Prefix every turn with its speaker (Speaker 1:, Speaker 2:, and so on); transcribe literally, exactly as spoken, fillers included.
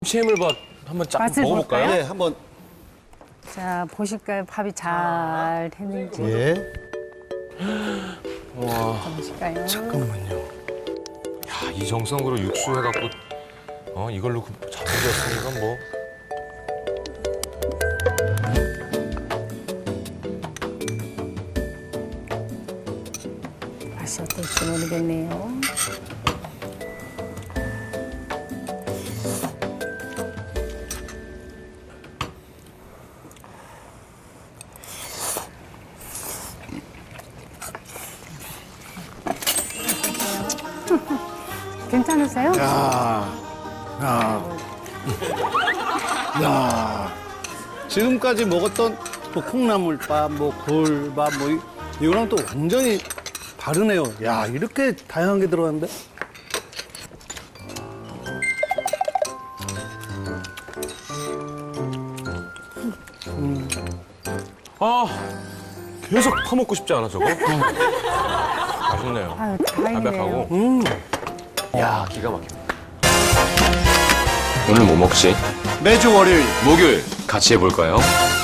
Speaker 1: 김치 해물밥 한번 쫙
Speaker 2: 맛을
Speaker 1: 먹어볼까요?
Speaker 2: 볼까요?
Speaker 3: 네, 한번.
Speaker 2: 자, 보실까요? 밥이 잘 됐는지.
Speaker 3: 예.
Speaker 1: 와,
Speaker 2: 보실까요?
Speaker 3: 잠깐만요.
Speaker 1: 야, 이 정성으로 육수 해갖고 어 이걸로 잡아줬으니까 뭐.
Speaker 2: 맛이 어떨지 모르겠네요. 괜찮으세요?
Speaker 3: 야, 야, 야. 지금까지 먹었던 뭐 콩나물밥, 뭐 굴밥, 뭐 이- 이거랑 또 완전히 다르네요. 야, 이렇게 다양한 게 들어갔는데?
Speaker 1: 아, 계속 퍼먹고 싶지 않아 저거? 맛있네요.
Speaker 2: 아유, 다행이네요.
Speaker 1: 담백하고.
Speaker 3: 음.
Speaker 1: 야, 기가 막힙니다. 오늘 뭐 먹지?
Speaker 3: 매주 월요일.
Speaker 1: 목요일 같이 해볼까요?